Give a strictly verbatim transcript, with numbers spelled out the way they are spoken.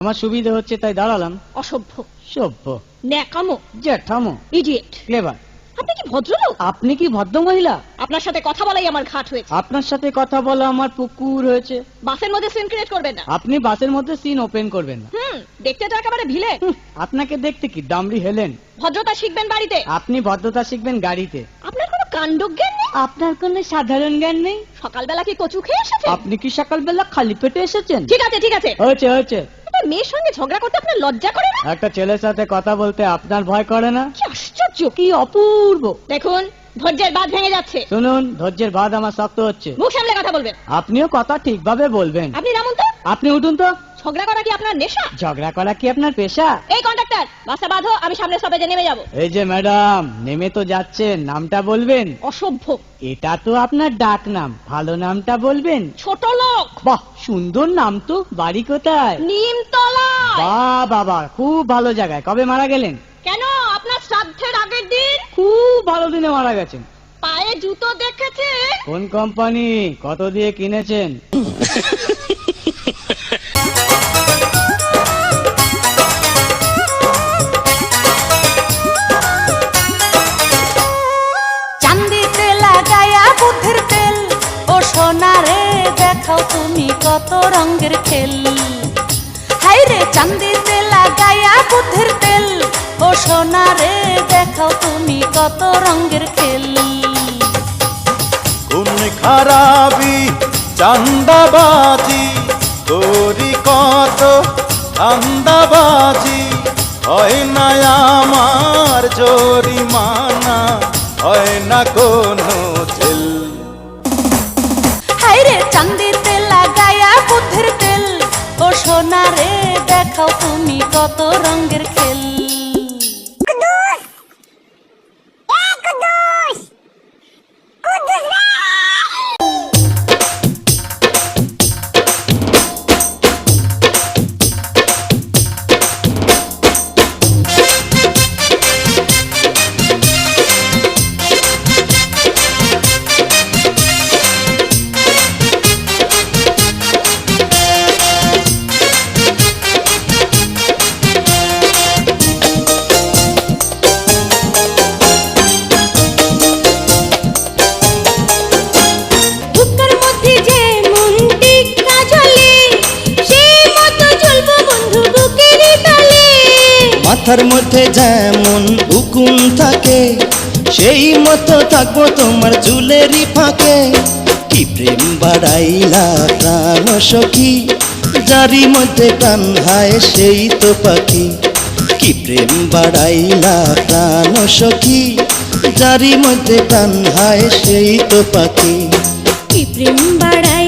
আমার সুবিধা হচ্ছে তাই দাঁড়ালাম। অসভ্য, সভ্য, ন্যাকামো, জ্যাঠামো, ইডিয়েট, ক্লেভার। আপনি কি ভদ্রলোক? আপনি কি ভদ্র মহিলা? আপনার সাথে কথা বলাই আমার ঘাট হয়েছে। আপনার সাথে কথা বলা আমার পুকুর হয়েছে। বাসের মধ্যে সিন ক্রিয়েট করবেন না। আপনি বাসের মধ্যে সিন ওপেন করবেন না। হুম, দেখতে তো একেবারে ভিলে। আপনাকে দেখতে কি দামড়ি হেলেন? ভদ্রতা শিখবেন বাড়িতে। আপনি ভদ্রতা শিখবেন গাড়িতে। আপনার কোনো কাণ্ডজ্ঞান নেই। আপনার কোনো সাধারণ জ্ঞান নেই। সকালবেলা কি কচু খেয়ে এসেছেন? আপনি কি সকালবেলা খালি পেটে এসেছেন? ঠিক আছে ঠিক আছে, হয়েছে হয়েছে। একটা মেয়ের সঙ্গে ঝগড়া করতে আপনার লজ্জা করে না? একটা ছেলের সাথে কথা বলতে আপনার ভয় করে না? কি আশ্চর্য, কি অপূর্ব। দেখুন ধৈর্যের বাঁধ ভেঙে যাচ্ছে। শুনুন, ধৈর্যের বাঁধ আমার শক্ত হচ্ছে। মুখ সামলে কথা বলবেন। আপনিও কথা ঠিকভাবে বলবেন। আপনি নামুন তো। আপনি উঠুন তো। ঝগড়া করা কি আপনার নেশা? ঝগড়া করা কি আপনার পেশা? এই কন্ডাক্টর, বাসটা বাঁধো, আমি সামনে স্টপেজে নেমে যাব। এই যে ম্যাডাম, নেমে তো যাচ্ছেন, নামটা বলবেন। অসভ্য। এটা তো আপনার ডাক নাম, ভালো নামটা বলবেন। ছোট লোক। বাহ, সুন্দর নাম তো। বাড়ি কোথায়? নিমতলা। বাহ বাবা, খুব ভালো জায়গায়। কবে মারা গেলেন? কেন, আপনার শ্রাদ্ধের আগের দিন। খুব ভালো দিনে মারা গেছেন। পায়ে জুতো দেখেছে? কোন কোম্পানি, কত দিয়ে কিনেছেন? চান্দিতে লাগায়া বুদ্ধির তেল, ও সোনারে দেখাও তুমি কত রঙের খেল। হাই রে চান্দিতে লাগায়া বুদ্ধির তেল, ও সোনারে দেখাও তুমি কত রঙের খেল। কোন খারাপি চান্দাবাজি তোরি কত ধান্দাবাজি, হয় না আমার জরিমানা, হয় না কোনো জেল। হাই রে চান্দিতে লাগায়া বুদ্ধির তেল, ও সোনারে দেখাও তুমি কত রঙের খেল। মাথার মধ্যে যেমন উকুন থাকে, সেই মতো থাকবো তোমার চুলেরই ফাঁকে। কি প্রেম বাড়াইলা প্রাণ সখী, যারি মধ্যে প্রাণ হায় সেই তো পাখি। কি প্রেম বাড়াইলা প্রাণ সখী, যারি মধ্যে প্রাণ হায় সেই তো পাখি। কি প্রেম বাড়াই